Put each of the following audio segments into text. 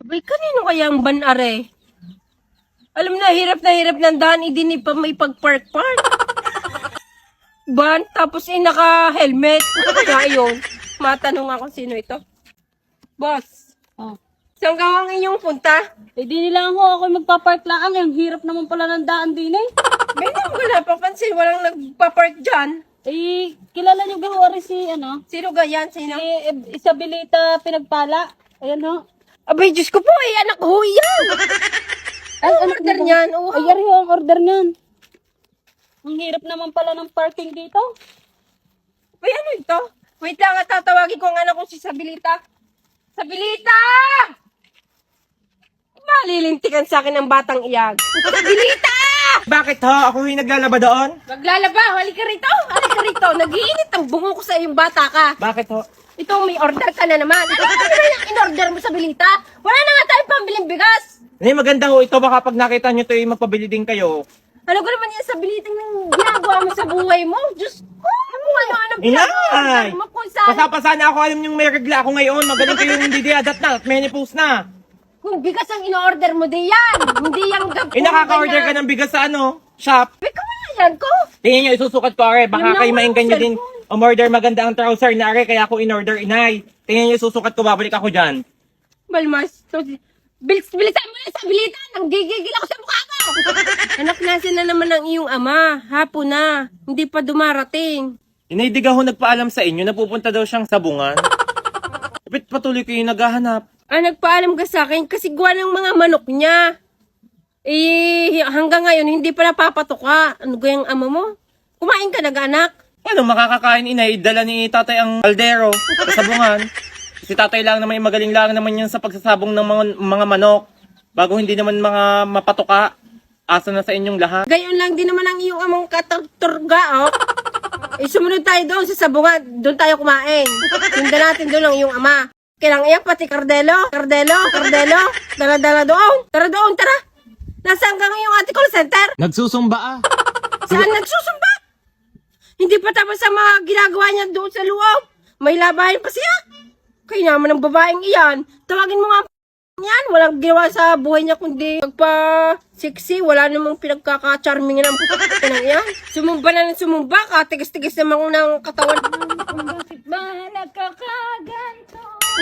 Abay, kanino kaya ang ban-are? Alam na hirap ng daan, hindi pa may pag-park-park. Ban, tapos naka-helmet. Ano kaya yun? Matanong ako sino ito. Boss, Oh. saan ka ang inyong punta? Eh di nila ako magpa-park lang. Ang hirap naman pala ng daan din eh. May naman ko napapansin, walang nagpa-park dyan. Eh, kilala niyo ba si Sino ganyan? Sino? Si Isabelita Pinagpala. Ayan ho. Abay, Diyos ko po, anak ko yan. Ay, Ano order niyan? Oh, Ay, yari ho ang order niyan. Ang hirap naman pala ng parking dito. Uy, ano ito? Wait lang, tatawagin ko ang anak ko si Sabilita. Sabilita! Malilintikan sa akin ng batang iyag. Sabilita! Bakit ho? Ako yung naglalaba doon? Maglalaba, halika rito. Halika rito. Nag-iinit ang bungo ko sa iyong bata ka. Bakit ho? Ito, may order ka na naman. Ano ba yung in-order mo, Sabilita? Wala na nga tayong pambiling bigas. Hindi, maganda ho ito. Baka pag nakita nyo ito, magpabili din kayo. Ano ko naman yung Sabilita ng ginagawa mo sa buhay mo? Diyos ko, ano Inay! mo kung saan? Pasapasa na ako. Alam nyo may regla ako ngayon. Magaling kayo hindi diadat na at menopause na. Kung bigas ang in-order mo, di yan. Hindi yung Nakaka-order ka ng bigas sa shop. Ikaw na yan ko. Tingin nyo, isusukat ko, are. Baka Yung kayo naman mainggan nyo yung din. Umorder maganda ang trouser na, are. Kaya ako in-order, inay. Tingin nyo, isusukat ko, babalik ako dyan. Balmas, bilisan mo na sa bilita. Nanggigigil ako sa mukha mo. Anak, nasa na naman ang iyong ama. Hapon na. Hindi pa dumarating. Inay, di ho nagpaalam sa inyo, napupunta daw siyang sabungan. Kapit patuloy kayo naghahanap. Nagpaalam ka sa akin kasi gawa ng mga manok niya. Hanggang ngayon, hindi pa napapatuka. Ano gayang ama mo? Kumain ka nag-anak? Ano, makakakain, inay, dala ni tatay ang kaldero sa sabungan. Si tatay lang naman, magaling lang naman yan sa pagsasabong ng mga manok. Bago hindi naman mga mapatuka, asa na sa inyong lahat. Gayon lang din naman ang iyong amang katurga, oh. Sumunod tayo doon sa sabungan. Doon tayo kumain. Sundan natin doon ang iyong ama. Kailang iyak pati Cardelo. Dala-dala doon. Tara doon, tara. Nasaan ka ngayong ate call center? Nagsusumba ah. Saan nagsusumba? Hindi pa tapos sa mga ginagawa niya doon sa loob. May labahin pa siya. Kaya naman ang babaeng iyan. Tawagin mo nga yan. Walang ginawa sa buhay niya kundi magpa-sexy. Wala namang pinagkaka-charming ng ng iyan. Sumumba na ng sumumba. Katigas-tigas naman ng katawan. Bakit ba nagkakaganto?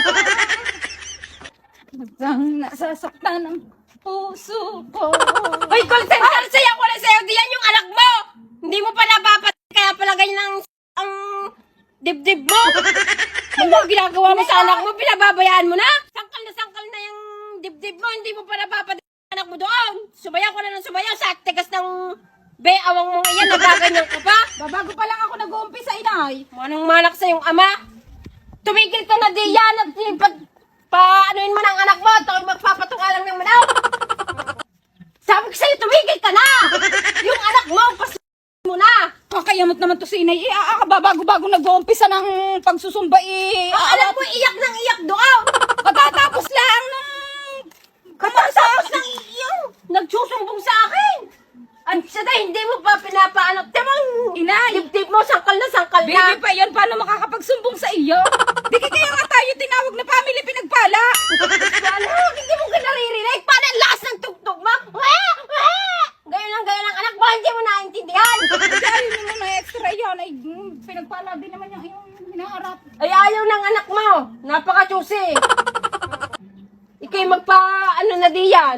Hanggang nasasaktan ang puso ko. Hoy, call center! Saya ko na sa'yo. Diyan yung anak mo! Hindi mo pa napapat. Kaya pala ganyan ang dibdib mo. Ano ginagawa mo sa anak mo? Pinababayaan mo na? Sangkal na yung dibdib mo. Hindi mo pa napapat anak mo doon. Sumayaw ko na ng sumayaw sa tigas ng awang mong iyan. Nagaganyan ka pa. Babago pa lang ako nag-uumpisa, inay. Manong malak sa yung ama. Tumigil ka na diyan at anuin mo ng anak mo. Ito magpapatunga lang ng manaw. Sabi ko sa'yo, tumigil ka na. Yung anak mo, mo na. Kakayamot naman to si inay. Babago-bago nag-uumpisa ng pagsusumba Ang alam mo, iyak ng iyak doon. Katatapos lang nung... Katapos ng iyak. Nagsusumbong sa akin. Ang sada, hindi mo pa pinapaanak. Tamang Inay. dibdib mo, sangkal na. Baby pa yan, paano makakapagsumbong sa iyo? Di kaya nga tayo tinawag na family pinagpala. Ano? Hindi mo ka naririnig. Paano ang lakas ng tugtog mo? Gayon lang, anak mo, hindi mo naintindihan. Kaya mo na extra yan. Ay, pinagpala din naman yung hinaharap. Ay, ayaw ng anak mo. Napaka-choosy. Ikay ano na diyan.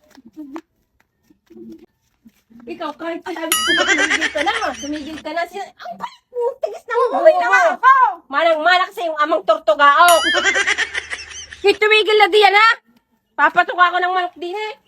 Ikaw, kahit tumigil ka na. Ang tigas na mo. Uwi na nga ako. Manang-malak sa yung amang tortugao. Tumigil na diyan, ha? Papatuka ko ng manok din, eh.